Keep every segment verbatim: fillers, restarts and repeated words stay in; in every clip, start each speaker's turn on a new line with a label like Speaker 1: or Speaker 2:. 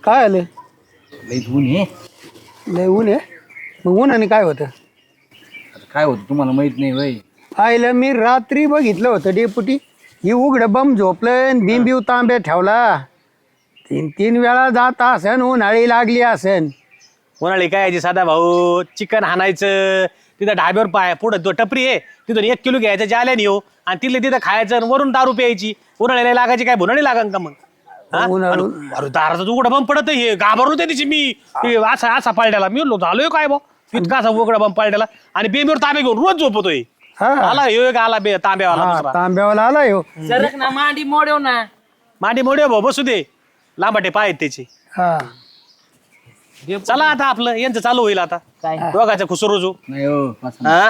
Speaker 1: काय आलं?
Speaker 2: लई ऊन आहे.
Speaker 1: लय ऊन आहे. मग उन्हाने काय होतं?
Speaker 2: आता काय होतं तुम्हाला माहित नाही वय.
Speaker 1: आईला मी रात्री बघितलं होतं डेपुटी, ही उघडं बम झोपलं, बिंबिव तांब्या ठेवला, तीन तीन वेळा जात असन, उन्हाळी लागली असन.
Speaker 3: उन्हाळी काय यायची साधा भाऊ, चिकन हाणायचं तिथं ढाब्यावर पाय पुढं तो टपरी आहे तिथून एक किलो घ्यायचं जाल्याने येऊ आणि तिथले तिथं खायचं आणि वरून दारू प्यायची. उन्हाळ्याला लागायची काय भुनाळी लागा का मग? हा?
Speaker 1: उन्हाळू-
Speaker 3: अरे अरे दाराचा उघडा बंब पडत हे घाबरलो त्या दिवशी मी ते असा असा पाळट्याला मी म्हणलो झालोय काय बा इतका असा उघडा बंब पाळट्याला आणि बेंबीवर तांबे घेऊन रोज झोपतोय.
Speaker 1: हा.
Speaker 3: आला ह्यो एक आला बे तांब्यावाला
Speaker 1: हा,
Speaker 3: दुसरा.
Speaker 1: तांब्यावाला आला हो.
Speaker 4: सरक ना मांडी मोडव ना.
Speaker 3: मांडी मोडे भाऊ बसू दे लांबाटे पाय आहेत त्याचे.
Speaker 1: हा.
Speaker 3: चला आता आपलं यांचं चालू होईल आता
Speaker 4: काय
Speaker 3: दोघांचं खुसरोजू.
Speaker 2: नाही हो पासून.
Speaker 3: हा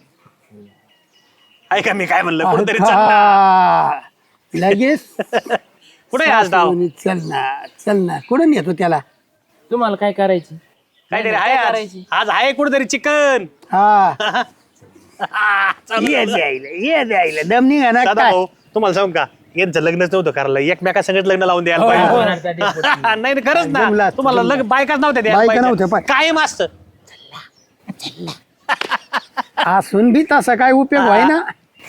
Speaker 3: ऐका मी काय म्हणलं कुठेतरी चल ना.
Speaker 1: हा. लगेच
Speaker 3: कुठे आहे आज डाव
Speaker 1: चल ना चल ना कुठं नेतो त्याला?
Speaker 4: तुम्हाला काय करायची?
Speaker 3: काहीतरी
Speaker 4: काय
Speaker 3: आहे आज.
Speaker 4: करायची?
Speaker 3: आज आहे कुठेतरी चिकन.
Speaker 1: हा ये द्यायला ये द्यायला दम निघा ना
Speaker 3: दादा
Speaker 1: काय?
Speaker 3: भाऊ तुम्हाला सांगू का यांचं लग्नच नव्हतं करायला एकमेका संगत लग्न लावून द्यायला
Speaker 4: हो,
Speaker 3: पाहिजे.
Speaker 4: डेपुटी.
Speaker 3: नाही नाही, खरंच ना
Speaker 1: जमला,
Speaker 3: तुम्हाला
Speaker 1: जमला.
Speaker 3: लग्न बायकाच नव्हत्या द्यायला
Speaker 1: बायका
Speaker 3: पाहिजे.
Speaker 1: नव्हत्या, पाय.
Speaker 3: कायम असतं
Speaker 1: असून बी तसा काय उपयोग व्हाय ना.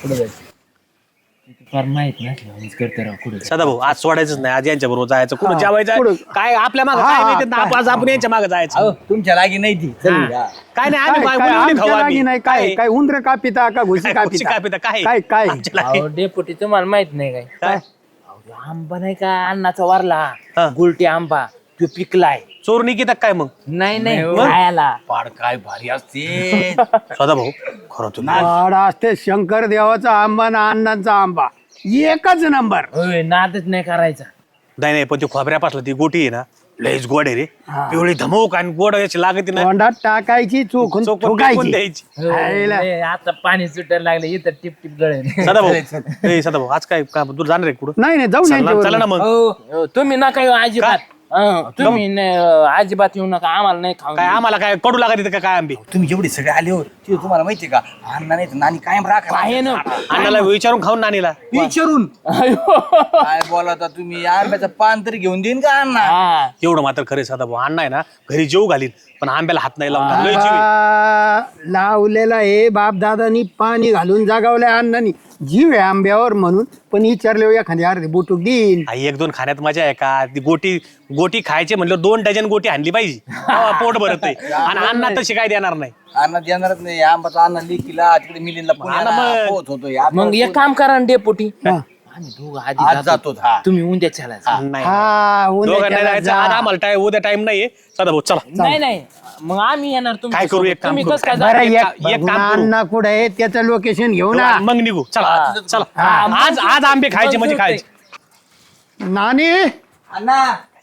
Speaker 4: फार माहित नाही करते राव कुठे.
Speaker 3: सदा भाऊ आज सोडायचंच नाही आज यांच्या बरोबर जायचं कुठं
Speaker 1: हा,
Speaker 3: जेवायचं
Speaker 1: कुठं?
Speaker 3: काय आपल्या मागे
Speaker 1: हा,
Speaker 3: काय माहिती ना,
Speaker 1: काय?
Speaker 3: आज आपण यांच्या मागे जायचं.
Speaker 2: अहो, तुमच्या लागी नाही ती चल या.
Speaker 3: काय नाही
Speaker 1: काय
Speaker 3: आम्ही
Speaker 1: काय
Speaker 3: उली- उली खाऊ
Speaker 1: आमच्या
Speaker 3: आम्ही.
Speaker 1: लागी नाही काय काय उंदर का पिता का घुशी
Speaker 3: काय
Speaker 1: का
Speaker 3: घुशी का पिता?
Speaker 1: पिता
Speaker 3: काय?
Speaker 1: काय काय
Speaker 3: आमच्या लागी.
Speaker 4: अहो डेपुटी तुम्हाला माहित नाही काय?
Speaker 3: काय
Speaker 4: अहो, आंबा नाही का अण्णाचा वारला
Speaker 3: हा.
Speaker 4: गुलटी आंबा तो पिकलाय.
Speaker 3: चोरणी की काय मग
Speaker 4: नाही नाही
Speaker 2: नाही हो.
Speaker 4: खायला.
Speaker 2: पाड काय भारी असते.
Speaker 3: सदा भाऊ खरं तुम्ही
Speaker 1: वाड असते शंकर देवाचा आंबा ना अण्णांचा आंबा एकच नंबर.
Speaker 4: होय नादच नाही करायचा.
Speaker 3: नाही नाही पण ती खोबऱ्यापासलं ती गोटी आहे ना लयच गोड आहे रे.
Speaker 1: हा.
Speaker 3: पिवळी धमक आणि गोड याची लागते ना
Speaker 1: तोंडात टाकायची चोखून
Speaker 3: चोकून फेकून
Speaker 1: ठोकायची.
Speaker 3: द्यायची.
Speaker 4: होय,
Speaker 1: खायला.
Speaker 4: लय आता पाणी सुटायला लागले इथं टिप टिप गळे.
Speaker 3: सदा भाऊ ए सदा भाऊ आज काय का तू जाणार आहे कुठं?
Speaker 1: नाही नाही जाऊ
Speaker 3: चला ना- चला
Speaker 1: नाही
Speaker 3: ना मग
Speaker 4: हो, तुम्ही नका येऊ अजिबात. हं, तुम्ही नाही, अजिबात येऊ नका आम्हाला नाही खाऊ.
Speaker 3: काय आम्हाला काय कडू लागत का काय आंबे?
Speaker 2: तुम्ही जेवढे सगळे आले हो ते तुम्हाला माहितीये का अण्णा नाही तर नानी कायम राखा
Speaker 4: आहे ना.
Speaker 3: अण्णाला विचारून खाऊन नानीला
Speaker 2: विचारून
Speaker 4: अयो.
Speaker 2: काय बोलाता तुम्ही आंब्याचं पान तरी घेऊन देईन का अण्णा?
Speaker 4: हा.
Speaker 3: एवढं मात्र खरे सदा भाऊ अण्णा आहे ना घरी जेऊ घालीन पण आंब्याला हात नाही लावणार लय जीव आहे.
Speaker 1: आ, लावलेला हे बाप दादानी पाणी घालून जागावलंय अण्णांनी जीव आहे आंब्यावर म्हणून पण विचारले एखादी अर्धी बुटूक देईन.
Speaker 3: आई एक दोन खाण्यात मजा आहे का? ती गोटी गोटी खायची म्हणलं दोन डझन गोटी आणली पाहिजे तेव्हा पोट भरत आहे. आणि अण्णा तशी काय देणार नाही.
Speaker 2: अण्णा देणारच नाही आंबाचा अण्णा लिकीला तिकडे मिलिंदला पुण्याला
Speaker 3: मग.
Speaker 2: पोहोच होतो या.
Speaker 4: मग एक काम करा ना डेपुटी.
Speaker 1: हा.
Speaker 4: आम्ही दोघं आधी
Speaker 2: आज
Speaker 4: जातो.
Speaker 2: जातो हा.
Speaker 4: तुम्ही उद्या चालायचं.
Speaker 3: नाही
Speaker 1: हा
Speaker 3: दोघांना
Speaker 1: उन्हाळ्याला
Speaker 3: जायचं
Speaker 1: जा.
Speaker 3: आज आम्हाला टाइम उद्या टाइम नाहीये सदा भाऊ चला
Speaker 4: नाही नाही मग आम्ही येणार. तुमच्या
Speaker 3: काय करू,
Speaker 4: सोबत.
Speaker 3: एक काम
Speaker 4: तुम्ही
Speaker 3: करू.
Speaker 4: कसं काय
Speaker 1: बरं
Speaker 4: जाता?
Speaker 1: एक
Speaker 3: एक काम करू.
Speaker 1: अण्णा कुठे आहे त्याचं लोकेशन घेऊ ना.
Speaker 3: मग निघू चला चला
Speaker 4: हा,
Speaker 3: आज आज आंबे खायचे म्हणजे खायचे.
Speaker 1: नानी
Speaker 2: अण्णा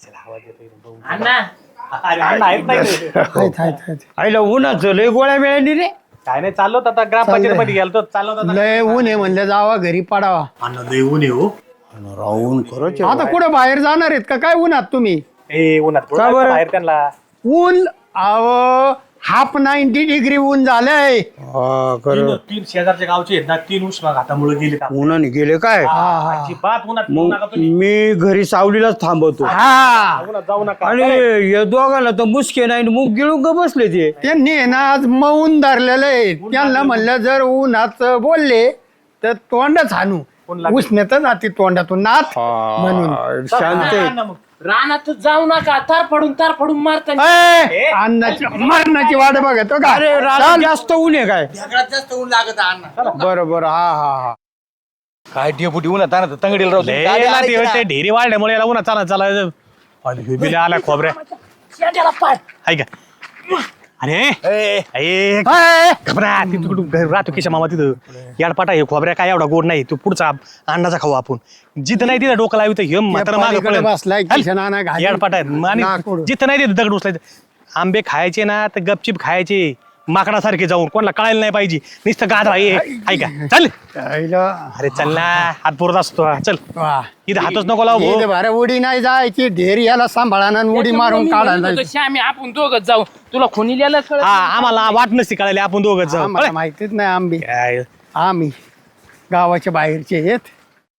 Speaker 4: अण्णा
Speaker 3: अरे अण्णा आहेत नाही ते.
Speaker 1: हाय, हाय, हाय.
Speaker 5: आईला उन्हाचं लय गोळ्या मिळाली रे.
Speaker 3: काय नाही चाललो होतं आता ग्रामपंचायत मध्ये गेलो चाललो होतं आता.
Speaker 1: लय ऊन आहे म्हणलं जावा घरी पडावा.
Speaker 3: अण्णा लय ऊन आहे हो.
Speaker 5: राहून खरंच
Speaker 1: आता कुठं बाहेर जाणार आहेत का काय उन्हात तुम्ही?
Speaker 3: ए उन्हात
Speaker 5: का बरं?
Speaker 3: बाहेर त्यांना
Speaker 1: ऊन अहो हाफ नाईन्टी डिग्री ऊन झालंय.
Speaker 5: हा खरं
Speaker 3: तीन तीन शेजारच्या गावचे आहेत ना तीन उष्माघातामुळे गेले
Speaker 5: उन्हाने गेले काय
Speaker 3: अजिबात उन्हात जाऊ नका
Speaker 5: मग
Speaker 3: तुम्ही.
Speaker 5: मी घरी सावलीलाच थांबवतो
Speaker 1: हा
Speaker 3: उन्हात जाऊ नका
Speaker 5: आणि या दोघांना तर मुसके नाही मुग गिळून ग बसले ते.
Speaker 1: त्यांनी आहे ना आज मौन धरलेलं आहे. त्यांना म्हणलं जर उन्हात बोलले तर तोंडच हाणू. उष्णता जाते तोंडातून नाथ म्हणून.
Speaker 5: शांत आहे.
Speaker 3: अण्णा मग.
Speaker 4: रानात जाऊ नका. तार पडून तार पडून मारता.
Speaker 1: ए, अन्नाची मरणाची वाट बघतो का?
Speaker 5: अरे रानात जास्त ऊन आहे काय?
Speaker 2: सगळ्यात जास्त ऊन लागत अण्णा.
Speaker 1: बरं बरं हा हा हा
Speaker 2: काय डेपुटी उन्हात आणत तंगडीला राहतो
Speaker 3: लय याला ते- ते ढेरी वाढल्यामुळे याला उन्हात चाला चाला बिले आला खोबऱ्या
Speaker 4: शेंड्याला पाड.
Speaker 3: हाय का अरे
Speaker 1: ए,
Speaker 3: खबरा तिथं राहतो किशा मामा तिथं याडपाटा हे खोबऱ्या काय एवढा गोड नाही तू पुढचा अंडाचा खाऊ आपण जिथं नाही तिथं डोकं लावित हे मात्र
Speaker 1: पलीकडे बसलाय किशन आणा घाली.
Speaker 3: याडपाटा आहे आणि
Speaker 1: नाकूड.
Speaker 3: जिथं नाही तिथं दगड उचलायचं आंबे खायचे ना तर गपचिप खायचे माकडासारखे जाऊन कोणाला कळायला नाही पाहिजे नुसतं गाधा ये ऐका चल
Speaker 1: आईला.
Speaker 3: अरे चल ना हात पुरत असतो चल
Speaker 1: वा.
Speaker 3: इथं हातच नको लावू
Speaker 1: इथं बरं उडी नाही जायची ढेर याला सांभाळा उडी मारून काढायला जायचं.
Speaker 4: श्यामी आपण दोघं जाऊ. तुला खुनी लिहायला कळत
Speaker 3: हा
Speaker 4: नाही.
Speaker 3: आम्हाला वाट नसती कळाली आपण दोघं जाऊ
Speaker 1: आम्हाला माहितीच नाही आंबे
Speaker 3: काय
Speaker 1: आम्ही गावाच्या बाहेरचे आहेत.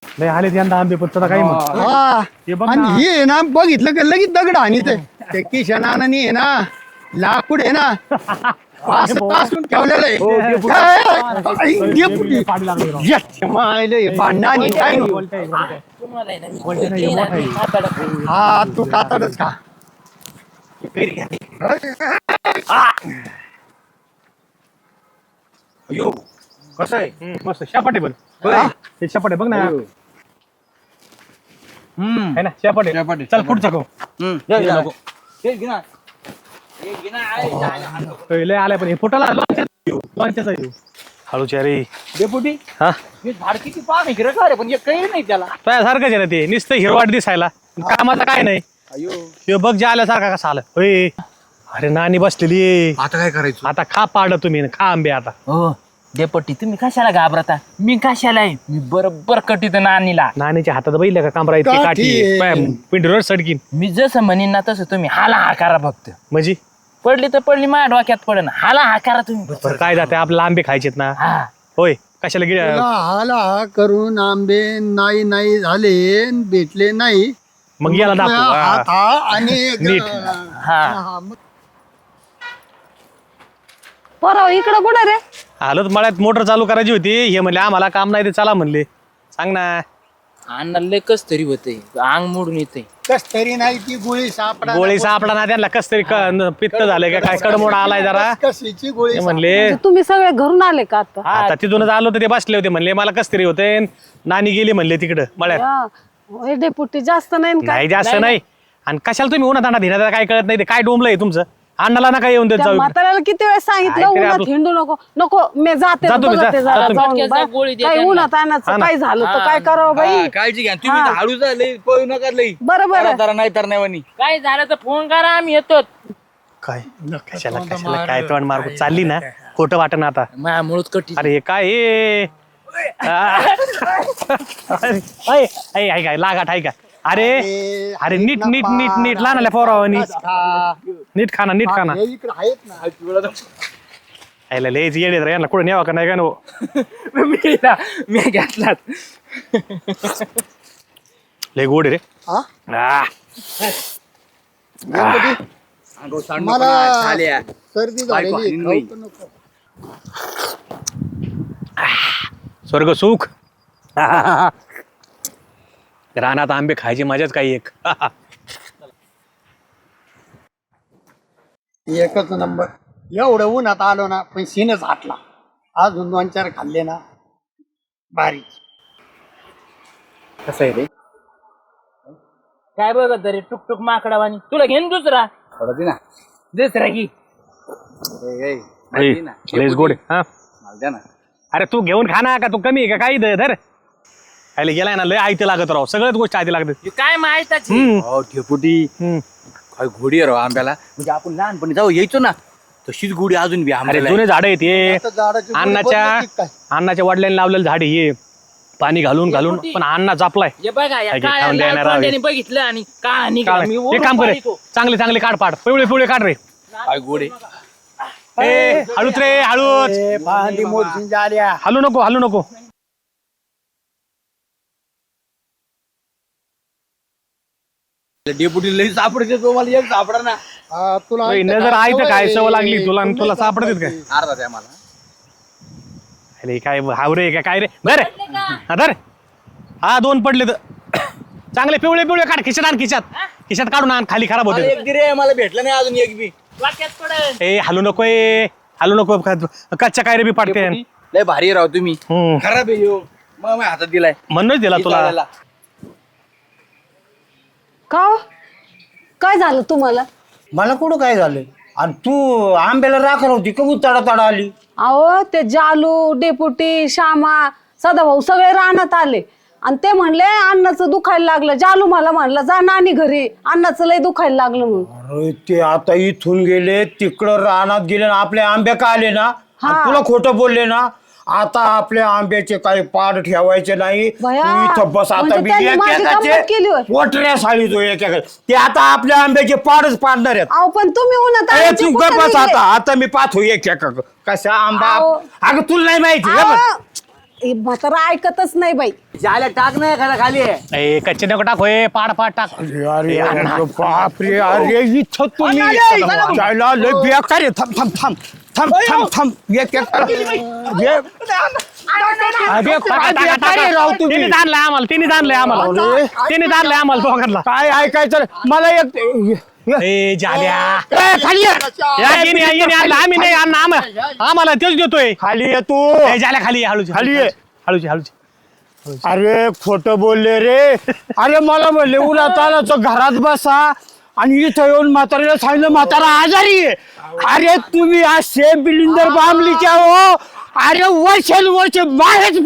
Speaker 3: लय आले यंदा आंबे पण तुला काही म्हण
Speaker 1: हा.
Speaker 3: हे बघ
Speaker 1: आणि
Speaker 3: ना.
Speaker 1: हे आहे ना बघितलं का लगेच दगड आणि ते किशनानी आहे ना लाकूड आहे ना असं तासून ठेवलेलं आहे. काय? आई, डेपुटी. याच्या मायले हे भांडणं आणि काय नको.
Speaker 4: तुम्हाला आहे ना, मी बोलते ना, मी हाताला-
Speaker 1: हा तू कातडच का
Speaker 3: अयो कसं आहे मस्त शापाटे बघ ते शापाटे बघ ना है ना शापाटे
Speaker 2: शापाटे,
Speaker 3: चल पुढचा गो नको
Speaker 2: तेच घे ना.
Speaker 3: लय आलाय पण हे फुटाला लॉन्चचा हळूच्या रे
Speaker 2: डेपुटी
Speaker 3: हा
Speaker 2: हे झाड किती पान हिरं का रे पण हे काही नाही त्याला.
Speaker 3: सारखंच आहे ना ते नुसतं हिरवाट दिसायला कामाचं काय नाही
Speaker 2: अयो
Speaker 3: हे बघ जे आल्यासारखा कसा आलं होय अरे नानी बसलेली आहे.
Speaker 2: आता काय करायचं?
Speaker 3: आता खा पाड तुम्ही खा आंबे आता
Speaker 4: हो डेपट्टी तुम्ही कशाला घाबरता मी कशाला आहे मी बरोबर कटीत नानीला
Speaker 3: नानीच्या हातात बैल का कामरा इतकी
Speaker 1: काठी
Speaker 3: काठी
Speaker 1: आहे.
Speaker 3: पाय, पिंडीवर सडकीन
Speaker 4: मी जसं म्हणीन ना तसं तुम्ही हाला हा करा फक्त
Speaker 3: म्हणजे
Speaker 4: पडली तर पडली माझ्या डोक्यात पडन हाला हा करा तुम्ही
Speaker 3: बरं काय जाते आपल्याला आंबे खायचेत ना
Speaker 4: हा
Speaker 3: होय कशाला गिळ
Speaker 1: तुला हाला हा करून आंबे नाही नाही झाले भेटले नाही
Speaker 3: मग याला दाखवू
Speaker 1: हात
Speaker 3: हा.
Speaker 1: हा आणि
Speaker 3: नीट.
Speaker 4: हा
Speaker 1: हा, मग
Speaker 6: पोराव इकडं कुठं रे
Speaker 3: आलोच मळ्यात मोटर चालू करायची होती हे म्हणले आम्हाला काम नाही ते चला म्हणले सांग ना
Speaker 4: अण्णा लय कस तरी होतंय अंग मोडून येतंय
Speaker 1: कस तरी नाही ती गोळी सापडा
Speaker 3: गोळी सापडा ना त्यांना कस तरी क- न- पित्त झालंय का काय कडमोड आलाय जरा
Speaker 1: कशीची गोळी
Speaker 3: ते म्हणले
Speaker 6: म्हणजे तुम्ही सगळे घरून आले का आता
Speaker 3: आता तिथूनच आलो तर ते बसले होते म्हणले मला कस तरी होते नानी गेली म्हणले तिकडं मळ्यात
Speaker 6: या, होय डेपुटी जास्त नाही ना काय
Speaker 3: नाही जास्त नाही आणि कशाला तुम्ही उन्हात आणा धिना काय कळत नाही ते काय डोंबलंय तुमचं अण्णाला नका येऊन देत
Speaker 6: त्या
Speaker 3: जाऊ
Speaker 6: म्हाताऱ्याला किती वेळ सांगितलं
Speaker 3: काय तरी
Speaker 6: उन्हात
Speaker 3: आपलं-
Speaker 6: हिंडू नको नको मी जाते
Speaker 3: जा तुम्ही,
Speaker 6: बघते
Speaker 3: जा.
Speaker 6: जरा
Speaker 3: जा तुम्ही.
Speaker 6: जाऊन
Speaker 4: फटक्याचा
Speaker 6: बाय.
Speaker 4: गोळी दे
Speaker 6: काय
Speaker 4: त्यांना.
Speaker 6: उन्हात
Speaker 3: हा
Speaker 6: आणायचं
Speaker 3: ना.
Speaker 6: काय झालं तर काय करावं बाई
Speaker 2: हा, काळजी घ्या तुम्ही
Speaker 6: हा.
Speaker 2: तर हळू झाले पळू नका लई
Speaker 6: बरं बरं
Speaker 2: जरा नाही तर नाही वनी.
Speaker 4: काय झालं तर फोन करा आम्ही येतो
Speaker 3: काय कशाला कशाला काय तोंड मार्ग चालली ना खोटं वाटण आता
Speaker 4: माझ्या मुळत कटी
Speaker 3: अरे हे काय हे आ. अरे, ऐ, ऐ, ऐ काय लागाट आहे का अरे अरे नीट नीट नीट नीट लहान पोरावानी नीट खाना नीट खाना
Speaker 1: हे इकडे आहेत ना
Speaker 3: यायला लयच येडे रे यांना कुठे न्यावा का नाही का नो
Speaker 4: मी मी घेतलात
Speaker 3: लय गोड आहे रे
Speaker 1: हा?
Speaker 3: आ.
Speaker 1: गणपती,
Speaker 2: अंगावर सांडू
Speaker 1: मला
Speaker 2: नका, झाल्या.
Speaker 1: सर्दी
Speaker 2: बायको
Speaker 1: झालेली
Speaker 2: हाणीन
Speaker 1: खाऊ तर नको.
Speaker 3: स्वर्ग सुख रानात आंबे खायची मजाच काही एक
Speaker 1: एकच नंबर एवढं उन्हात आलो ना पण सीनच हाटला अजून दोन चार खाल्ले ना भारी
Speaker 2: कसं आहे रे
Speaker 4: काय बघत तरी टुकटुक माकडावानी तुला घेऊन दुसरा
Speaker 2: थोडं दे ना.
Speaker 4: दुसरा की
Speaker 2: ए, ए, मला दे ना.
Speaker 3: लयच गोड आहे. हा
Speaker 2: मला द्या ना.
Speaker 3: अरे तू घेऊन खा ना का तू कमी आहे का काही धर आयले गेलाय ना लय आयते लागत राव सगळ्याच गोष्टी आयते लागतात
Speaker 4: हे काय माहिती
Speaker 3: हम्म,
Speaker 2: अहो ठेपुटी
Speaker 3: हम्म.
Speaker 2: काय घोडी आहे राव आंब्याला म्हणजे आपण लहानपणी जाऊ यायचो ना तशीच घोडी अजून बी
Speaker 3: अरे
Speaker 2: आंब्याला
Speaker 3: जुने झाड आहेत हे
Speaker 1: आता झाडाची गोळी
Speaker 3: अन्नाच्या
Speaker 1: बदलली काय?
Speaker 3: अन्नाच्या वडिलांनी लावलेलं झाड आहे हे पाणी घालून घालून पण अण्णा जापलाय
Speaker 4: हे बघा या
Speaker 3: काय घे,
Speaker 4: काळ्या
Speaker 3: खाऊन
Speaker 4: लाल
Speaker 3: देणार आहे.
Speaker 4: कोंड्याने बघितलं आणि का
Speaker 3: काढ.
Speaker 4: निघाला
Speaker 3: एक काम करे चांगले चांगले काढ पाड पिवळे पिवळे काढ रे
Speaker 2: काय घोडे
Speaker 3: ए हळूच रे हळूच
Speaker 1: ए, भांडी मोडून झाल्या
Speaker 3: हलू नको हलू नको
Speaker 2: डेपुटी लई सापडते तो मला एक सापडा ना
Speaker 1: हा, तुला
Speaker 3: ओय,
Speaker 1: ऐकतं
Speaker 3: नजर
Speaker 1: का?
Speaker 3: आहे तर काय
Speaker 1: सवय
Speaker 3: सवय लागली
Speaker 1: आहे.
Speaker 3: तुला आणि तुला
Speaker 1: तुला
Speaker 3: सापडतात काय
Speaker 2: अर्धा द्या मला
Speaker 3: अरे काय हावरे का काय रे धर हा धर हा दोन पडले तर चांगले पिवळे पिवळे काढ खिशात आण खिशात खिशात काढून आण खाली खराब
Speaker 2: मला
Speaker 3: होते
Speaker 2: एक दे रे मला भेटलं नाही अजून एक बी
Speaker 4: वाक्यात पडल
Speaker 3: ए हलू नको ए हलू नको का- कच्च्या काय रे बी पाडते
Speaker 2: डेपुटी, लय भारी आहे राव तुम्ही
Speaker 3: हम्म.
Speaker 2: खराब आहे ह्यो. मग माझ्या हातात दिलाय
Speaker 3: म्हणूनच दिला तुला
Speaker 2: चालायला.
Speaker 6: का हो? काय झालं तुम्हाला
Speaker 5: मला कुठं काय झालं आणि तू आंब्याला राखर होती का तडा तडा आली
Speaker 6: अहो ते जालू डेपुटी श्यामा सदाभाऊ सगळे रानात आले आणि ते म्हणले अन्नाचं दुखायला लागलं जालू मला म्हणलं जा नानी घरी अन्नाचं लय दुखायला लागलं म्हणून
Speaker 5: अरे ते आता इथून गेले तिकडं रानात गेले ना आपल्या आंब्या का आले ना आणि तुला खोटं बोलले ना आता आपल्या आंब्याचे काही पाड ठेवायचे नाही तू
Speaker 6: भया,
Speaker 5: इथं बस आता
Speaker 6: म्हणजे
Speaker 5: मी
Speaker 6: त्यांनी माझी गंमत केली होय.
Speaker 5: पोटऱ्या साळी तो एकेकाचे ते आता आपल्या आंब्याचे पाडच पाडणार आहेत
Speaker 6: अहो पण तुम्ही उन्हात
Speaker 5: ए,
Speaker 6: आणायचे
Speaker 5: तू
Speaker 6: कुठं
Speaker 5: गप बस
Speaker 6: निघले?
Speaker 5: आता आता मी पाहतो एक एक कसा आंबा
Speaker 6: अहो.
Speaker 5: अगं तुला नाही माहिती का बस?
Speaker 6: अहो, हे म्हातारा ऐकतच नाही बाई.
Speaker 2: जाल्या टाक नाही एखादा खाली
Speaker 3: ए कच्चे नको टाक होय पाड पाड टाक
Speaker 5: अरे अरे अरे बापरे अरे इथं तुम्ही जायला लय बेकार आहे. थांब थांब थांब थांब थांब थांब एक एक ये. अरे काय बेकार आहे राव तुम्ही.
Speaker 3: तिने आणलंय आम्हाला तिने आणलंय आम्हाला तिने आणलंय आम्हाला दोघांना
Speaker 5: काय ऐकायचं मला एक
Speaker 3: ए झाल्या
Speaker 5: ए, खाली ये.
Speaker 3: या येणे येणे आणलं आम्ही नाही आणलं आम्हाला आम्हाला तेच देतोय
Speaker 5: खाली ये तू.
Speaker 3: ए, झाल्या खाली ये, हळूची
Speaker 5: खाली ये.
Speaker 3: हळूची हळूची
Speaker 5: अरे खोटं बोलले रे. अरे मला म्हणले उन्हा तानाचं घरात बसा आणि इथं येऊन म्हाताऱ्याला सांगितलं म्हातारा आजारी आहे. अरे तुम्ही आज सेम बिलिंदर बामलीच्या हो. अरे वर्ष वर्ष बाहेरच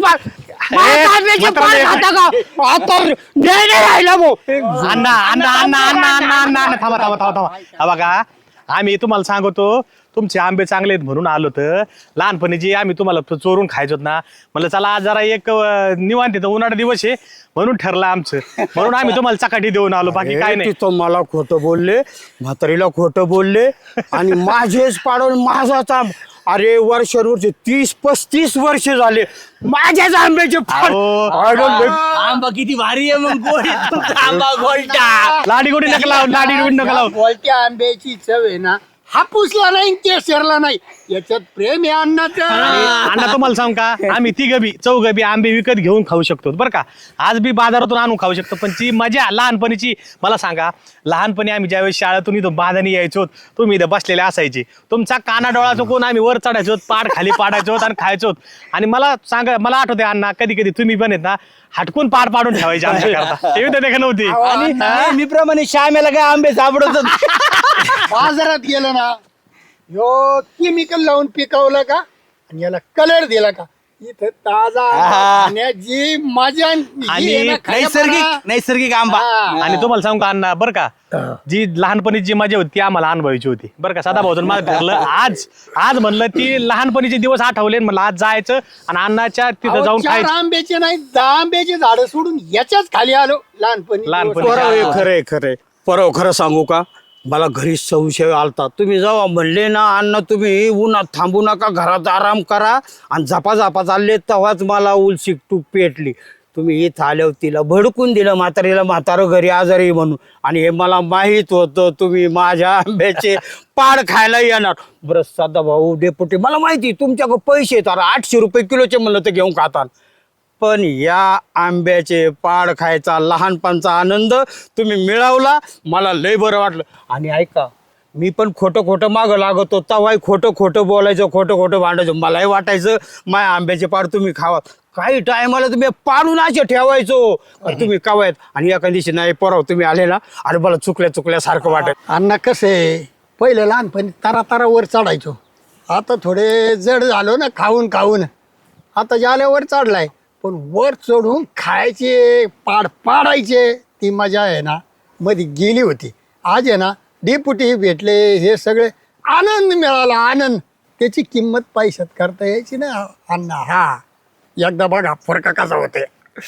Speaker 5: राहिला भाऊ.
Speaker 3: अण्णा अण्णा अण्णा अण्णा अण्णा अण्णा अण्णा थांबा थांबा थांबा थांबा हा बघा आम्ही तुम्हाला सांगतो तुमचे आंबे चांगले आहेत म्हणून आलो तर लहानपणी जे आम्ही तुम्हाला चोरून खायचो ना म्हणलं चला आज जरा एक अं, निवांत येतं उन्हाळा दिवस आहे म्हणून ठरलं आमचं म्हणून आम्ही तुम्हाला चकाटी देऊन आलो बाकी काय नाही.
Speaker 5: तिथं मला खोटं बोलले म्हातारीला खोटं बोलले आणि माझेच पाडून माझाच आंब. अरे वर्ष वर्ष तीस पस्तीस वर्ष झाले माझ्याच आंब्याचे फळ.
Speaker 3: अहो.
Speaker 5: अरे लय-
Speaker 2: आंबा किती भारी आहे मग गोड आहे तुमचा आंबा गोलटा.
Speaker 3: लाडी गोडी नका लाव लाडी गोडी नका लाव
Speaker 1: बोलत्या आंब्याची चव आहे ना हापूसला नाही ते शेरला नाही याच्यात प्रेम आहे अण्णाचं.
Speaker 3: अण्णा तुम्हाला सांग का आम्ही ती गबी चौघ बी आंबे विकत घेऊन खाऊ शकतो बरं का आज बी बाजारातून आणून खाऊ शकतो पण ती मजा लहानपणीची मला सांगा लहानपणी आम्ही ज्यावेळेस शाळेतून इथं बांधानी यायचो तुम्ही इथं बसलेले असायचे तुमचा काना डोळा चुकून आम्ही वर चढायचो पाड खाली पाडायचो आणि खायचो आणि मला सांगा मला आठवते अण्णा कधी कधी तुम्ही पण येत ना हटकून पाड पाडून ठेवायचे आमच्याकरता ते तर नव्हती
Speaker 2: आणि नेहमीप्रमाणे श्यामेला काय आंबे सापडत
Speaker 1: बाजारात गेलं ना ह्यो केमिकल लावून पिकवलं का आणि याला कलर दिला का इथं ताजा
Speaker 2: आहा.
Speaker 1: खाण्याची मजा ही
Speaker 3: आणि
Speaker 1: आहे ना, खाण्यापणा.
Speaker 2: नैसर्गिक नैसर्गिक आंबा
Speaker 1: हा.
Speaker 3: आणि तुम्हाला सांगू का अण्णा बरं का जी लहानपणी जी मजा होती ती आम्हाला अनुभवायची होती बरं का सदा भाऊजन मला ठरलं आज आज म्हणलं ती लहानपणीचे दिवस आठवले आणि म्हणलं आज जायचं आणि अण्णाच्या तिथं
Speaker 1: अहो,
Speaker 3: जाऊन
Speaker 1: चार
Speaker 3: खायचं
Speaker 1: आंब्याचे नाही दहा आंब्याचे झाडं सोडून याच्याच खाली आलो लहानपणी
Speaker 3: लहानपणी.
Speaker 5: परव हे खरंय खरंय परव खरं सांगू का मला घरी संशय आलता तुम्ही जेव्हा म्हणले ना अण्णा तुम्ही उन्हात थांबू नका घरात आराम करा आणि झपा झपा चालले तेव्हाच मला उलसिक तूप पेटली. तुम्ही इथं आल्यावर तिला भडकून दिलं म्हातारीला म्हातारं घरी आजारी म्हणून आणि हे मला माहीत होतं तुम्ही माझ्या आंब्याचे पाड खायला येणार. बरं सदा भाऊ डेपुटी मला माहिती तुमच्याकडे पैसे येतात आठशे रुपये किलोचे म्हणलं तर घेऊन खातात पण या आंब्याचे पाड खायचा लहानपणचा आनंद तुम्ही मिळवला मला लय बरं वाटलं. आणि ऐका मी पण खोटं खोटं मागं लागत होता वाई खोटं खोटं बोलायचं खोटं खोटं भांडायचं मलाही वाटायचं माय आंब्याचे पाड तुम्ही खावा काही टायमाला तुम्ही पाडून असे ठेवायचो तुम्ही कावायत आणि एका दिवशी नाही परव तुम्ही आले ना अरे मला चुकल्या चुकल्यासारखं वाटत.
Speaker 1: अण्णा कसं आहे पहिलं लहानपणी तारा तारा वर चढायचो आता थोडे जड झालो ना खाऊन खाऊन आता जाल्यावर चढलाय पण वर चढून खायचे पाड पाडायचे ती मजा आहे ना मध्ये गेली होती. आज आहे ना डेपुटी भेटले हे सगळे आनंद मिळाला आनंद त्याची किंमत पैशात करता यायची ना अण्णा. हा एकदा बघा फरक कसा होते.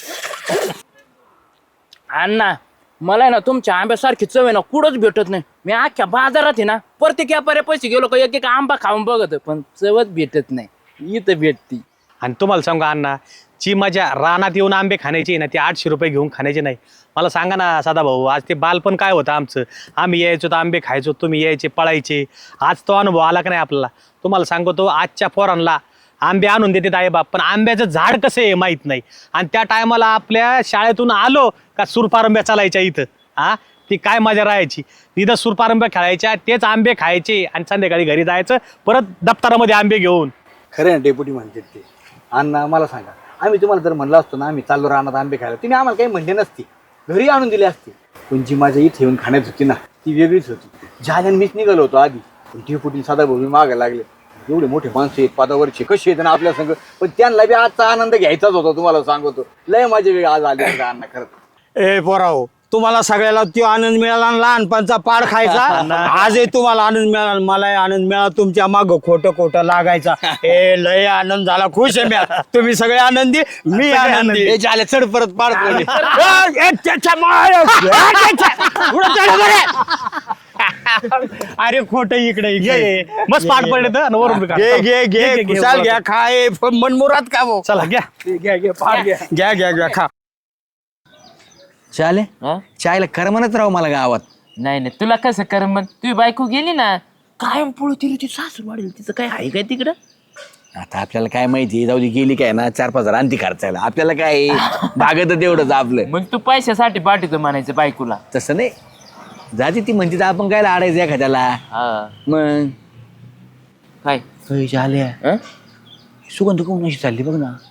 Speaker 4: अण्णा मला आहे ना तुमच्या आंब्यासारखी चव आहे ना कुठंच भेटत नाही. मी अख्ख्या बाजारात आहे ना प्रत्येक व्यापारी पैसे गेलो का एक एक आंबा खाऊन बघत पण चवच भेटत नाही इथं भेटती.
Speaker 3: आणि तुम्हाला सांगा अण्णा जी मजा रानात येऊन आंबे खाण्याची ना ती आठशे रुपये घेऊन खाण्याची नाही. मला सांगा ना साधा भाऊ आज ते बालपण काय होतं आमचं आम्ही यायचो तर आंबे खायचो तुम्ही यायचे पळायचे आज तो अनुभव आला का नाही आपल्याला. तुम्हाला सांगतो आजच्या पोरांना आंबे आणून देतात आई बाप पण आंब्याचं झाड कसं आहे माहीत नाही आणि त्या टायमाला आपल्या शाळेतून आलो का सुरपारंब्या चालायच्या इथं हा ती काय मजा राहायची इथं सुरपारंब्या खेळायच्या तेच आंबे खायचे आणि संध्याकाळी घरी जायचं परत दप्तरामध्ये आंबे घेऊन.
Speaker 2: खरं ना डेप्युटी म्हणते ते अण्णा मला सांगा आम्ही तुम्हाला जर म्हणलं असतो ना आम्ही चाललो रानात आंबे खायला तुम्ही आम्हाला काही म्हणले नसते घरी आणून दिले असते पण जी माझ्या इथे येऊन खाण्यात होती ना ती वेगळीच होती. ज्याने मीच निघालो होतो आधी पण डेप्युटी साधा भाऊ मागायला लागले एवढे मोठे माणसं आहेत पदावरचे कसे आहेत ना आपल्या संग पण त्यांना बी आजचा आनंद घ्यायचाच होता तुम्हाला सांगतो लय माझे वेळ आज आले अण्णा खरं.
Speaker 5: ए पोराव तुम्हाला सगळ्याला तो आनंद मिळाला आणि लहानपणचा पाड खायचा आजही तुम्हाला आनंद मिळाला मलाही आनंद मिळाला तुमच्या माग खोटं खोटं लागायचा. ए लय आनंद झाला खुश आहे मी तुम्ही सगळे आनंदी मी आनंदी.
Speaker 2: हे झाले चढ परत पाड पडले.
Speaker 5: ए, ए, त्याच्या माय- ए, त्याच्या- पुढं चढ बरं.
Speaker 3: अरे खोट इकडे इकडे मस्त पाठ पडले तर आणि वरून बी काढ.
Speaker 5: घे घे घे
Speaker 3: घे, घे,
Speaker 5: कुशाल
Speaker 3: घे.
Speaker 5: घ्या खाय मनमुरात का भाऊ
Speaker 3: चला घ्या
Speaker 5: घ्या घ्या घ्या खा
Speaker 2: चाले
Speaker 4: हा?
Speaker 2: चायला करमनच राहू मला गावात.
Speaker 4: नाही नाही तुला कसं कर मग तुझी बायको गेली ना कायम पळू तिला ती सासू वाढेल तिचं काय आहे काय तिकडं
Speaker 2: आता आपल्याला काय माहिती, जाऊ दे गेली काय ना चार पाच हजार आणती खर्चायला, आपल्याला काय भागत तेवढंच आपलं.
Speaker 4: मग तू पैशासाठी पाठवतो म्हणायचं बायकोला.
Speaker 2: तसं नाही, जाते ती म्हणते तर आपण काय आडायचं एखाद्याला.
Speaker 4: हा
Speaker 2: मग
Speaker 4: काय
Speaker 2: पैसे आले
Speaker 4: हं?
Speaker 2: सुगंध कोण अशी चालली बघ ना,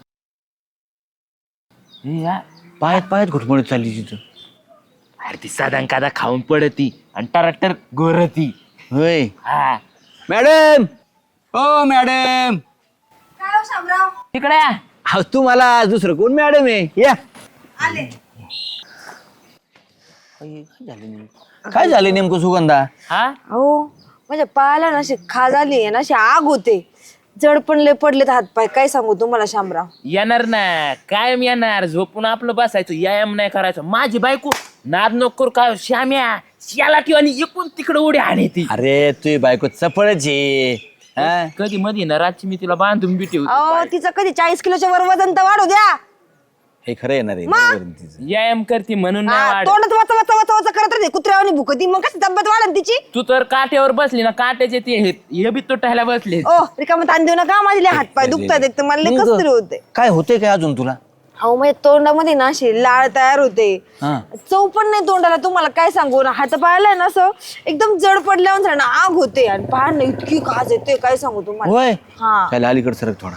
Speaker 4: हे या.
Speaker 2: पायात पायात घुटमळत चालली तिथं.
Speaker 4: अरे ती साधा कादा खाऊन पडती आणि टराटर गोरती.
Speaker 2: होय
Speaker 4: हा
Speaker 2: मॅडम, ओ मॅडम,
Speaker 4: तिकडे या.
Speaker 2: हा तू मला दुसरं कोण मॅडम आहे या. काय झालं नेमकं सुगंधा?
Speaker 4: हा
Speaker 6: हो म्हणजे पायाला ना अशी खाज आली ना अशी आग होते, जड पण लय पडलेत हातपाय. काय सांगू तुम्हाला शामराव.
Speaker 4: येणार ना कायम येणार, झोपून आपलं बसायचं, व्यायाम नाही करायचं. माझी बायको नाद नको काय श्याम्या याला ठेव आणि एकूण तिकडे उडी हाणे ती.
Speaker 2: अरे तुझी बायको चपळच आहे. हा?
Speaker 4: कधी मधी ना रातची मी तिला बांधून बी ठेवतो.
Speaker 6: अहो तिचं कधी चाळीस किलोच्या वर वजन तर वाढू द्या.
Speaker 2: हे खरं येणार आहे बरोबर आहे तिचं.
Speaker 4: व्यायाम करते म्हणून नाही
Speaker 6: हा,
Speaker 4: वाढ.
Speaker 6: तोंडात वाचा वाचा वाचा वाचा करत राहते कुत्र्यावानी भुकती, मग कशी तब्येत वाढन तिची.
Speaker 4: तू तर काट्यावर बसली ना, काट्याचे ते हे हे बी तुटायला बसले.
Speaker 6: ओ रिकामं ताण देऊ नका, माझे लय हातपाय दुखतात एक तर मला लय कसतरी होते.
Speaker 2: काय होतंय काय अजून तुला?
Speaker 6: अहो म्हणजे तोंडामध्ये ना अशी लाळ तयार होते,
Speaker 2: हा.
Speaker 6: चव पण नाही तोंडाला. तुम्हाला काय सांगू ना, हात पायाला ना असं एकदम जड पडल्यावर ना आग होते आणि पायाला इतकी खाज येते काय सांगू तुम्हाला.
Speaker 2: होय
Speaker 6: हा
Speaker 2: त्याला अलीकडे सरक थोडा.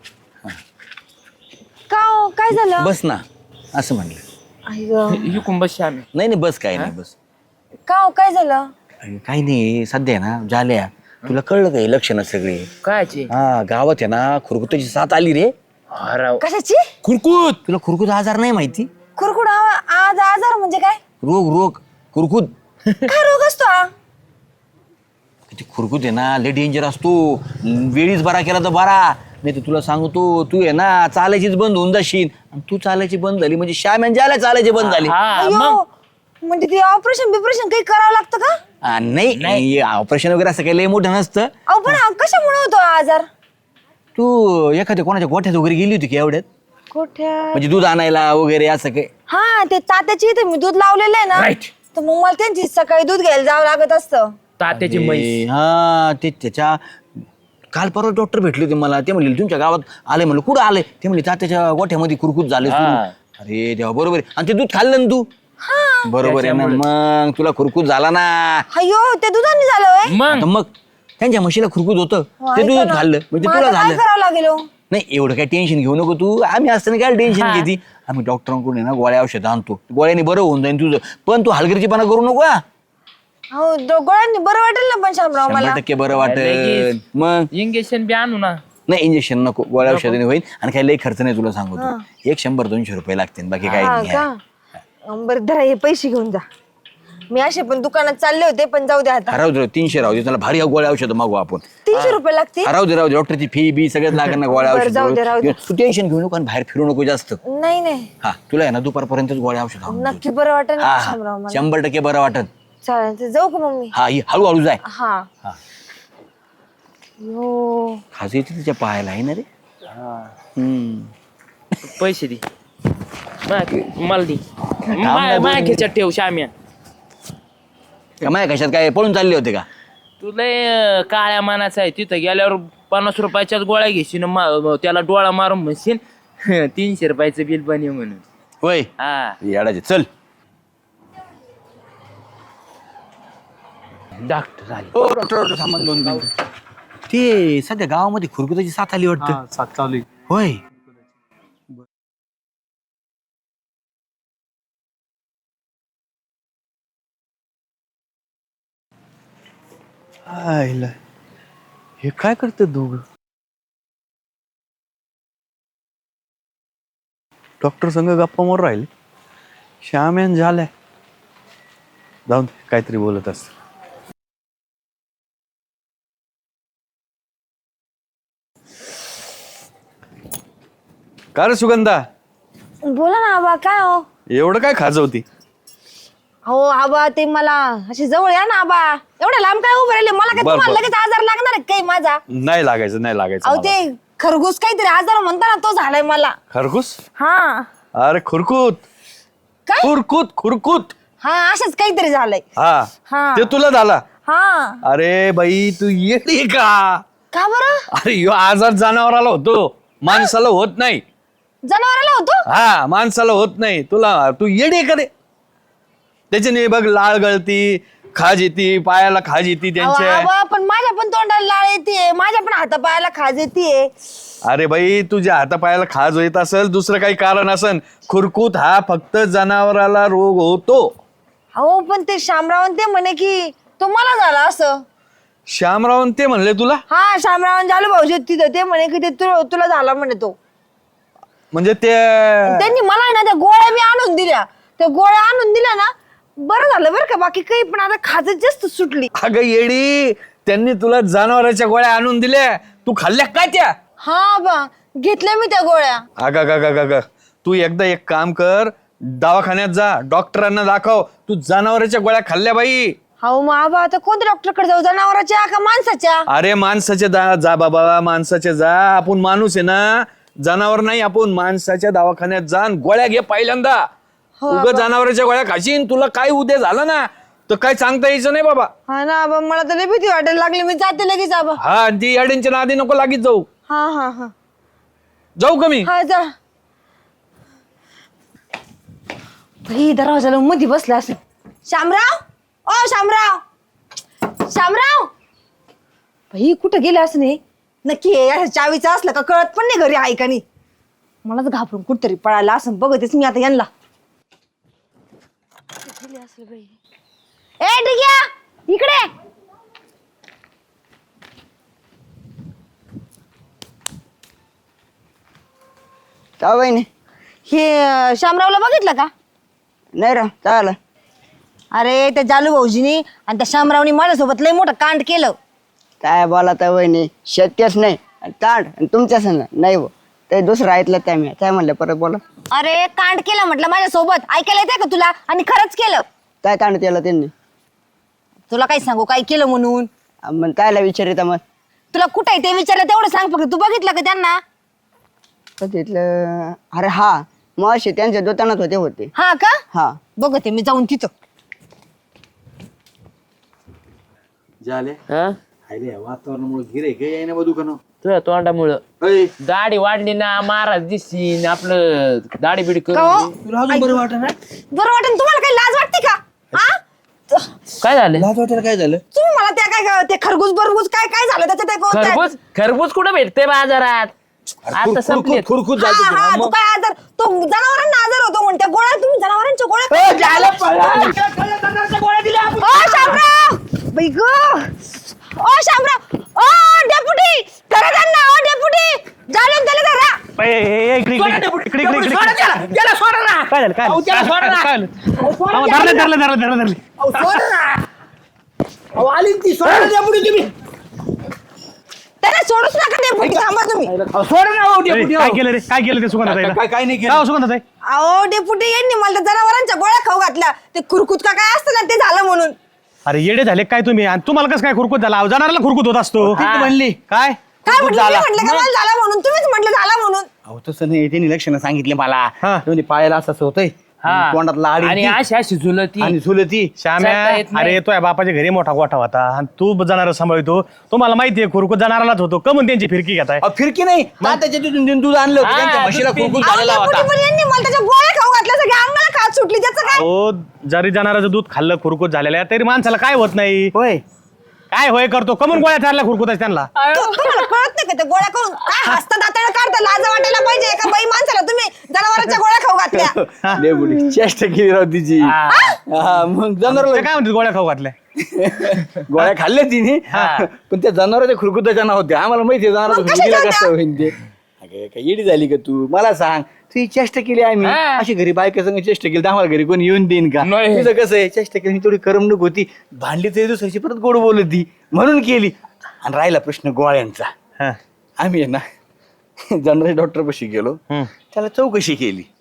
Speaker 6: का हो, काय झालं?
Speaker 2: बस ना असं म्हणलं.
Speaker 6: आई गं.
Speaker 4: इकून बस श्यामी.
Speaker 2: नाही नाही बस काय नाही बस.
Speaker 6: का हो, काय झालं?
Speaker 2: अरे, काही नाही सध्या आहे ना झाल्या तुला कळलं काय लक्षणं सगळे.
Speaker 4: कायची
Speaker 2: हा गावात आहे ना खुरकुताची साथ आली रे.
Speaker 4: हराव
Speaker 6: कशाची?
Speaker 2: खुरकूत. तुला खुरकूत आजार नाही माहिती?
Speaker 6: कुरकुड आज आजार म्हणजे काय?
Speaker 2: रोग रोग खुरकूत.
Speaker 6: काय रोग असतो हा?
Speaker 2: किती खुरकूत आहे ना लय डेंजर असतो. वेळीच बरा केला तर बरा, नाही तर तुला सांगतो तू आहे ना चालायचीच बंद होऊन जाशील. आणि तू चालायची बंद झाली म्हणजे श्याम ज्याला चालायची बंद झाली.
Speaker 4: हा मग
Speaker 6: अयो, म्हणजे ते ऑपरेशन बिपरेशन काही करावं लागतं का?
Speaker 2: आ, नाही ऑपरेशन वगैरे असं काही लय मोठं नसतं.
Speaker 6: अहो पण हा कशामुळे होतो हा आजार?
Speaker 2: तू एखाद्या कोणाच्या गोठ्यात वगैरे गेली होती की एवढ्यात,
Speaker 6: कुठे?
Speaker 2: म्हणजे दूध आणायला वगैरे असं काही?
Speaker 6: हा ते तात्याची इथे मी दूध लावलेलं आहे ना,
Speaker 4: Right.
Speaker 6: तर मग मला त्यांची सकाळी दूध घ्यायला जावं लागत असतं.
Speaker 4: तात्याची म्हैस.
Speaker 2: ए, हा ते त्याच्या काल परवा डॉक्टर भेटले होते मला. ते म्हणले तुमच्या गावात आले. म्हणलं कुठं आले? ते म्हणले तात्याच्या गोठ्यामध्ये कुरकुत झाले सुरू.
Speaker 4: हा.
Speaker 2: अरे देवा बरोबर आहे. आणि ते दूध खाल्लं ना तू? बरोबर आहे ना, मग तुला खुरकूत झाला ना.
Speaker 6: अयो ते दुधाने झालं होय?
Speaker 4: मग
Speaker 2: आता मग त्यांच्या म्हशीला खुरकूत होतं ते
Speaker 6: ऐका
Speaker 2: दूध
Speaker 6: ना,
Speaker 2: खाल्लं म्हणजे
Speaker 6: मग
Speaker 2: तुला
Speaker 6: आता काय
Speaker 2: झालं.
Speaker 6: करावं लागेल हो?
Speaker 2: नाही एवढं काय टेन्शन घेऊ नको तू. आम्ही असताना काय टेन्शन
Speaker 4: हा.
Speaker 2: घेते. आम्ही डॉक्टरांकडून आहे ना गोळ्या औषध आणतो, गोळ्याने बरं होऊन जाईल तुझं. पण तू हलगर्जीपणा करू नको हा.
Speaker 6: हो दो- गोळ्यांनी बरं वाटेल ना पण शामराव मला.
Speaker 2: शंभर टक्के बरं वाटेल.
Speaker 4: लगेच.
Speaker 2: मग
Speaker 4: इंजेक्शन बी आणू ना.
Speaker 2: नाही इंजेक्शन नको, गोळ्या औषधाने होईल. आणि काही लई खर्च नाही तुला सांगतो. एक शंभर दोनशे रुपये लागतील बाकी काही
Speaker 6: हा
Speaker 2: नाही.
Speaker 6: का? अं, बरं धरा हे पैसे घेऊन जा. मी असे पण दुकानात चालले होते, पण जाऊ द्या आता.
Speaker 2: राहू दे तीनशे राहू दे, त्याला भारी गोळ्या औषध मागू आपण.
Speaker 6: तीनशे रुपये लागतील.
Speaker 2: राहू दे राहू दे, डॉक्टरची फी बी सगळ्यात लागेल ना गोळ्या
Speaker 6: बरं, जाऊ दे, राहू दे.
Speaker 2: औषध. तू टेन्शन घेऊ नको आणि बाहेर फिरू नको जास्त.
Speaker 6: नाही नाही
Speaker 2: हा तुला आहे ना दुपारपर्यंत गोळ्या औषध आणून देतो.
Speaker 6: नक्की बरं वाटेल
Speaker 2: हा
Speaker 6: ना
Speaker 2: हा,
Speaker 6: शामराव मला.
Speaker 2: शंभर टक्के बरं वाटत.
Speaker 6: चालेल ते जाऊ का मग मी?
Speaker 2: हा ही हळूहळू जाय.
Speaker 6: हा
Speaker 2: हा.
Speaker 6: यो
Speaker 2: खाज येते तिच्या पायाला आहे ना रे. हम्म.
Speaker 4: पैसे दे मा- मला दे माझ्या खेच्यात ठेव श्याम्या.
Speaker 2: का माया कशात काय पळून चालले होते का?
Speaker 4: तू लय अं, काळ्या मानाचा आहे. तिथं गेल्यावर पन्नास रुपयाच्याच गोळ्या घेशील मा- त्याला डोळा मारून म्हणशील तीनशे रुपयाचं बिल बने म्हणून.
Speaker 2: होय
Speaker 4: हा
Speaker 2: येडाचे चल.
Speaker 4: डॉक्टर आले.
Speaker 2: हो डॉक्टर डॉक्टर सामान दोन मिनिटं. ते सध्या गावामध्ये खुरकुताची साथ आली वाटतं.
Speaker 3: सात चालू आहे.
Speaker 2: होय आईला हे काय करते दोघ? डॉक्टर संग गप्पा मारून राहिले. श्याम यान झालाय. जाऊन दे, काहीतरी बोलत असत. का रे सुगंधा,
Speaker 6: बोला ना आबा काय हो?
Speaker 5: एवढं काय खाजवती?
Speaker 7: हो आबा ते मला अशी जवळ या ना आबा. एवढ्या लांब काय उभे राहिले मला काय
Speaker 8: बर,
Speaker 7: तुम्हाला
Speaker 8: बर.
Speaker 7: लगेच आजार लागणार आहे काय माझा?
Speaker 8: नाही लागायचं नाही लागायचं
Speaker 7: अहो
Speaker 8: मला.
Speaker 7: ते खरगूस काहीतरी आजार म्हणता ना तो झालाय मला.
Speaker 8: खरकुस
Speaker 7: हा
Speaker 8: अरे खुरकूत
Speaker 7: काय?
Speaker 8: खुरकूत खुरकूत
Speaker 7: हा असंच काहीतरी झालंय.
Speaker 8: हा
Speaker 7: हा.
Speaker 8: ते तुला झाला.
Speaker 7: हा
Speaker 8: अरे बाई तू येते का?
Speaker 7: का बरं?
Speaker 8: अरे ह्यो आजार जनावराला होतो माणसाला होत नाही.
Speaker 7: जनावराला होतो?
Speaker 8: हा माणसाला होत नाही. तुला तू येडे का रे? त्याच्याने बघ लाळ गळती खाज येते पायाला खाज येते
Speaker 7: अहो,
Speaker 8: त्यांच्या.
Speaker 7: आबा, पण माझ्या पण तोंडाला लाळ येते माझ्या पण हातापायाला खाज येते.
Speaker 8: अरे बाई तुझ्या हातापायाला खाज येत असेल दुसरं काही कारण असेल. खुरकूत हा फक्त जनावराला रोग होतो.
Speaker 7: हो पण ते शामरावण ते म्हणे की तो मला झाला असं.
Speaker 8: श्यामरावन ते म्हणले तुला?
Speaker 7: हा शामरावण झालं भाऊजी तिथं ते म्हणे की ते तु- तुला झाला म्हणे तो.
Speaker 8: म्हणजे ते
Speaker 7: त्यांनी मला आहे ना त्या गोळ्या मी आणून दिल्या. त्या गोळ्या आणून दिल्या ना बरं झालं बरं का बाकी काही पण आता खाजच जास्त सुटली.
Speaker 8: अगं येडी त्यांनी तुला जनावराच्या गोळ्या आणून दिल्या तू खाल्ल्या काय त्या?
Speaker 7: हा बा घेतल्या मी त्या गोळ्या.
Speaker 8: अगं ग ग ग तू एकदा एक काम कर दवाखान्यात जा डॉक्टरांना दाखव तू जनावराच्या गोळ्या खाल्ल्या बाई.
Speaker 7: हो मग आबा आता कोणत्या डॉक्टरकडे जाऊ जनावराच्या का माणसाच्या?
Speaker 8: अरे माणसाच्या जा जा बाबा माणसाच्या जा. आपण माणूस आहे ना जनावर नाही. आपण माणसाच्या दवाखान्यात जा आणि गोळ्या घे पहिल्यांदा. उगा जनावराच्या गोळ्या खाशीन तुला काय उद्या झालं ना तर काय सांगता यायचं नाही बाबा.
Speaker 7: हा ना आबा मला तर लय भीती वाटायला लागली मी जाते लगेच आबा.
Speaker 8: हा ती अडींच्या नादी नको लागीत जाऊ.
Speaker 7: हा हा हा
Speaker 8: जाऊ का मी?
Speaker 7: हा जा. भाई दरवाजाला मध्ये बसला असं. शामराव ओ शामराव शामराव भाई कुठं गेले असं नाही नक्की हे चावीचं असलं का कळत पण नाही घरी आहे का नाही. मलाच घाबरून कुठतरी पळायला असं बघतेच मी आता यांना. ए ठीक आहे इकडे.
Speaker 9: का बहिणी?
Speaker 7: हे अं, शामरावला बघितलं का?
Speaker 9: नाही राव चाल.
Speaker 7: अरे त्या जालू भाऊजीनी आणि त्या शामरावनी माझ्यासोबत लय मोठं कांड केलं.
Speaker 9: काय बोला तर बहिणी शक्यच नाही. ताड आणि तुमच्या संग नाही हो ते दुसरं ऐकलं त्या मी काय म्हणलं परत बोला.
Speaker 7: अरे कांड केलं म्हटलं माझ्यासोबत ऐकायला येते का तुला? आणि खरंच केलं.
Speaker 9: काय ताण केलं त्यांनी?
Speaker 7: तुला काय सांगू काय केलं म्हणून?
Speaker 9: मग कायला विचारित मग?
Speaker 7: तुला कुठं आहे ते विचारलं तेवढं सांग फक्त. तू बघितलं का त्यांना?
Speaker 9: तिथलं अरे हा मग असे त्यांच्या दुकानात होते होते
Speaker 7: हा का?
Speaker 9: हा.
Speaker 7: बघते मी जाऊन तिथं.
Speaker 2: झाले
Speaker 4: हा
Speaker 2: हायले वातावरणामुळे गिरे गे येईना बा दुकान.
Speaker 4: तुझ्या तोंडामुळं दाढी वाढली ना महाराज दिसशील आपलं दाढी बिडी
Speaker 7: का हो?
Speaker 4: करून.
Speaker 2: तुला अजून बरं वाटत ना?
Speaker 7: बरं वाटेल तुम्हाला काही लाज वाटते का? हा
Speaker 4: काय झालं?
Speaker 2: लाज वाटायला काय झालं?
Speaker 7: तुम्ही मला त्या काय ते खरबूज बरबूज काय काय झालं त्याच्यात ते कोणतं-
Speaker 4: खरबूज खरबूज कुठं भेटते बाजारात? आता संपले.
Speaker 2: खुरकूत
Speaker 7: हा,
Speaker 2: जायचं
Speaker 7: हा, तू काय आजार तो जनावरांना आजार होतो म्हणते गोळ्या तुम्ही जनावरांच्या गोळ्या ओ शामराव बाई ग ओ शामराव ओ डेपुटी धरा त्यांना ओ डेपुटी जालून त्याला धरा.
Speaker 3: ए, ए, ए, इकडे, इकडे, इकडे, इकडे, इकडे, इकडे. काय झालं काय झालं? काय झालं? काय झालं? अहो, धरलं धरलं धरलं धरलं धरलं.
Speaker 2: आली ती सोडा द्या पुढे तुम्ही.
Speaker 7: त्याला सोडूच नका डेपुटी थांबा तुम्ही.
Speaker 2: सोडा ना हो
Speaker 3: ए,
Speaker 2: डेपुटी.
Speaker 3: काय केलं रे काय केलं ते सुगंधाताईला?
Speaker 2: काय काय नाही
Speaker 3: काय
Speaker 2: केलं.
Speaker 3: हो सुगंधाताई?
Speaker 7: अहो डेपुटी यांनी मला त्या जनावरांच्या गोळ्या खाऊ घातल्या. ते खुरकुत का काय असतं ना ते झालं म्हणून.
Speaker 3: अरे येडे झाले काय तुम्ही? आणि तुम्हाला कसं काय खुरकूत झाला? जनावराला खुरकूत होत असतो.
Speaker 2: ती म्हणली
Speaker 3: काय
Speaker 7: काय म्हटलं मी म्हटलं का मला झालं म्हणून तुम्हीच म्हटलं झालं म्हणून.
Speaker 2: अहो तसं नाही त्यांनी लक्षणं सांगितले मला.
Speaker 3: हा.
Speaker 2: म्हणजे पायाला असं असं होतंय
Speaker 4: हा.
Speaker 2: तोंडात लाड
Speaker 4: आणि
Speaker 2: येते.
Speaker 4: अशी अशी झुलती
Speaker 2: आणि झुलती.
Speaker 3: श्याम्या
Speaker 4: चालता येत नाही.
Speaker 3: अरे तो या बापाच्या घरी मोठा गोठा होता आणि तू जनावर सांभाळतो. तुम्हाला माहितीये खुरकूत जनावरालाच होतो का म्हणून त्यांची फिरकी घेताय?
Speaker 2: अहो, फिरकी नाही तात्याच्या तिथून दूध आणलं होतं
Speaker 4: हा,
Speaker 2: त्यांच्या म्हशीला
Speaker 4: दूध
Speaker 2: खुरकूत
Speaker 7: अहो,
Speaker 2: झालेला
Speaker 7: डेपुटी
Speaker 2: होता.
Speaker 7: पण यांनी मला त्याच्या गोळ्या खाऊ घातल्या सगळ्या अंगाला खात सुटली त्याचं काय?
Speaker 3: हो जरी जनावराचं दूध खाल्लं खुरकूत झालेलं आहे तरी माणसाला काय होत नाही.
Speaker 2: होय
Speaker 3: काय होय करतो कमून गोळ्या चारल्या खुरकूत त्यांना.
Speaker 7: तु- तुम्हाला कळत नाही का ते गोळ्या करून काय हसता दाताळा काढता लाज वाटायला पाहिजे एका बाई माणसाला तुम्ही जनावरांच्या गोळ्या खाऊ घातल्या.
Speaker 2: डेपुटी चेष्टा केली राव तिची. हा, मग
Speaker 3: ते
Speaker 2: जनावर
Speaker 3: काय म्हणते गोळ्या खाऊ घातल्या?
Speaker 2: गोळ्या खाल्ल्या तिने पण त्या जनावरांच्या खुरकुताच्या नव्हत्या. आम्हाला माहिती आहे जनावरांच्या
Speaker 7: मग कशाच्या
Speaker 2: खुरकुतीला
Speaker 7: होत्या?
Speaker 2: कसं होईन ते. अगं, काय येडी झाली का तू? मला सांग तू ही चेष्टा केली आम्ही
Speaker 4: हा.
Speaker 2: अशी घरी बायका संग चेष्टा केली तर आम्हाला घरी कोणी येऊन देईन का?
Speaker 4: नाही.
Speaker 2: तुझं कसं आहे चेष्टा केली थोडी करमणूक होती. भांडली तरी दुसऱ्याची परत गोड बोलत ती म्हणून केली. आणि राहिला प्रश्न गोळ्यांचा.
Speaker 3: हा.
Speaker 2: आम्ही आहे ना जनरल डॉक्टर पाशी गेलो
Speaker 3: हम्म.
Speaker 2: त्याला चौकशी केली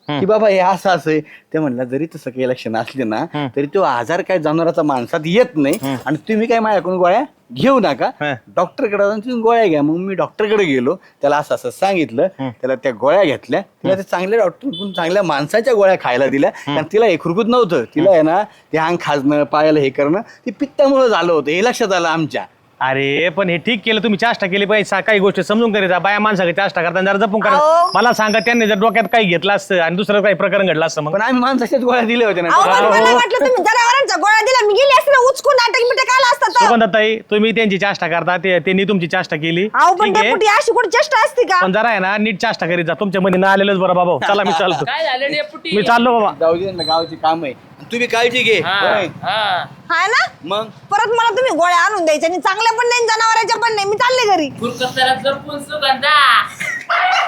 Speaker 2: की बाबा हे असं असं आहे. ते म्हणलं जरी तसं काही लक्षण असले ना तरी तो आजार काय जनावराचा माणसात येत नाही आणि तुम्ही काय माझ्याकडून गोळ्या घेऊ नका, डॉक्टरकडे जाऊन तुम्ही गोळ्या घ्या. मग मी डॉक्टरकडे गेलो, त्याला असं असं सांगितलं, त्याला त्या गोळ्या घेतल्या, तिला ते चांगल्या डॉक्टर चांगल्या माणसाच्या गोळ्या खायला दिल्या. कारण तिला हे खुरकूत नव्हतं, तिला आहे ना ते अंग खाजणं पायाला हे करणं ते पित्तामुळे झालं होतं, हे लक्षात आलं आमच्या.
Speaker 3: अरे पण हे ठीक केलं तुम्ही, चाष्टा केली पाहिजे. सा- काही गोष्टी समजून करायचा, बाया माणसाकडे चाष्टा करताना जरा जपून करा.
Speaker 7: अहो.
Speaker 3: मला सांगा त्यांनी जर डोक्यात काही घेतलं असतं आणि दुसरं काही प्रकरण घडलं असतं मग.
Speaker 2: पण आम्ही माणसाच्याच गोळ्या दिल्या होत्या
Speaker 7: अहो, पण
Speaker 2: ना.
Speaker 7: मला वाटलं तुम्ही जनावरांच्या गोळ्या दिल्या, मी गेली असते ना उचकून नाटक बिटक आला असता तर.
Speaker 3: सुगंधाताई तुम्ही त्यांची चाष्टा करता, ते त्यांनी तुमची चाष्टा केली,
Speaker 7: अहो पण
Speaker 3: ठीक आहे.
Speaker 7: डेपुटी अशी कुठे चेष्टा असते का?
Speaker 3: पण जरा आहे ना नीट चाष्टा करीत जा. तुमच्या मध्ये ना आलेलंच बरं बाबा. चला मी चालतो,
Speaker 4: काय झालं डेपुटी?
Speaker 3: मी चाललो बाबा.
Speaker 2: जाऊ दे ना, गावाची काम आहे, तुम्ही काळजी घे.
Speaker 4: हा,
Speaker 2: होय.
Speaker 4: हा.
Speaker 7: हा ना,
Speaker 2: मग
Speaker 7: परत मला तुम्ही गोळ्या आणून द्यायच्या आणि चांगल्या पण नाही जनावरांच्या पण नाही, मी चालले घरी.
Speaker 4: खुरकत जरा जपून सुगंधा.